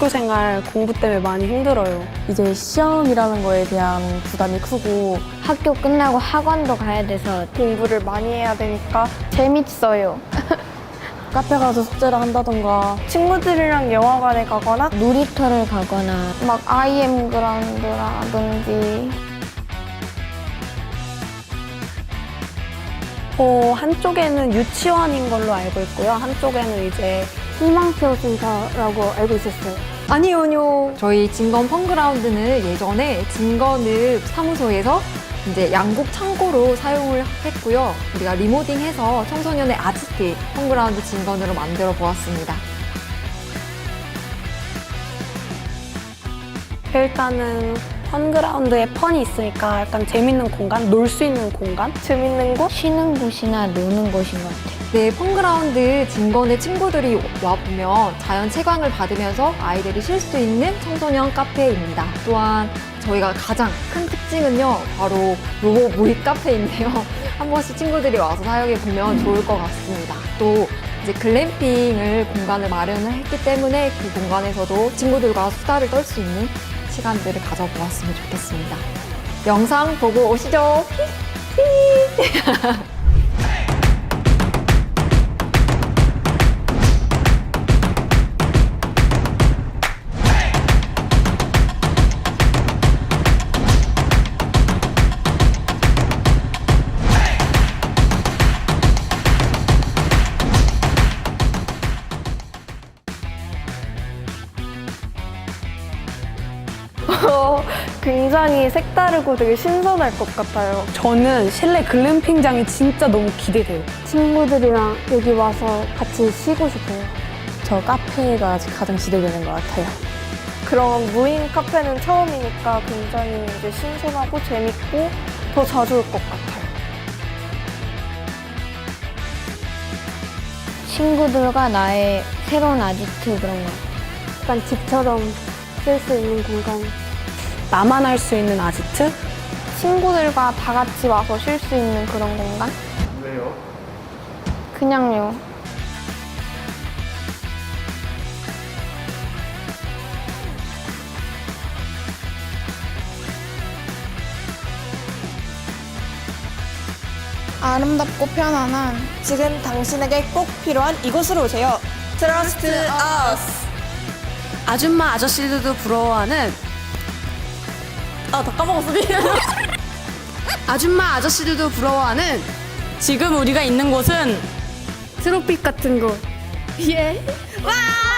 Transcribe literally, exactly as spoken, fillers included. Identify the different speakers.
Speaker 1: 학교 생활 공부 때문에 많이 힘들어요.
Speaker 2: 이제 시험이라는 거에 대한 부담이 크고
Speaker 3: 학교 끝나고 학원도 가야 돼서
Speaker 4: 공부를 많이 해야 되니까 재밌어요.
Speaker 2: 카페 가서 숙제를 한다던가
Speaker 4: 친구들이랑 영화관에 가거나
Speaker 3: 놀이터를 가거나
Speaker 4: 막 아이엠 그라운드라든지
Speaker 1: 어, 한쪽에는 유치원인 걸로 알고 있고요. 한쪽에는 이제
Speaker 4: 희망케어 센터라고 알고 있었어요.
Speaker 5: 아니요, 아니요. 저희 진건 펑그라운드는 예전에 진건읍 사무소에서 이제 양곡 창고로 사용을 했고요. 우리가 리모딩해서 청소년의 아지트 펑그라운드 진건으로 만들어 보았습니다.
Speaker 1: 일단은 펀그라운드에 펀이 있으니까 약간 재밌는 공간, 놀 수 있는 공간?
Speaker 4: 재밌는 곳?
Speaker 3: 쉬는 곳이나 노는 곳인 것 같아요.
Speaker 5: 네, 펑그라운드 진건의 친구들이 와보면 자연 채광을 받으면서 아이들이 쉴 수 있는 청소년 카페입니다. 또한 저희가 가장 큰 특징은요, 바로 로봇 모의 카페인데요. 한 번씩 친구들이 와서 사용해보면 좋을 것 같습니다. 또 이제 글램핑을 공간을 마련을 했기 때문에 그 공간에서도 친구들과 수다를 떨 수 있는 시간들을 가져보았으면 좋겠습니다. 영상 보고 오시죠.
Speaker 4: 어, 굉장히 색다르고 되게 신선할 것 같아요.
Speaker 1: 저는 실내 글램핑장이 진짜 너무 기대돼요.
Speaker 4: 친구들이랑 여기 와서 같이 쉬고 싶어요.
Speaker 2: 저 카페가 가장 기대되는 것 같아요.
Speaker 4: 그런 무인 카페는 처음이니까 굉장히 이제 신선하고 재밌고 더 자주 올 것 같아요.
Speaker 3: 친구들과 나의 새로운 아지트 그런 거.
Speaker 4: 약간 집처럼 쓸 수 있는 공간.
Speaker 1: 나만 할 수 있는 아지트?
Speaker 4: 친구들과 다 같이 와서 쉴 수 있는 그런 공간?
Speaker 6: 왜요?
Speaker 4: 그냥요.
Speaker 7: 아름답고 편안한 지금 당신에게 꼭 필요한 이곳으로 오세요. Trust us.
Speaker 1: 아줌마 아저씨들도 부러워하는
Speaker 7: 아, 다 까먹었어. 미안.
Speaker 1: 아줌마 아저씨들도 부러워하는 지금 우리가 있는 곳은
Speaker 4: 트로피 같은 곳.
Speaker 7: 예. 와!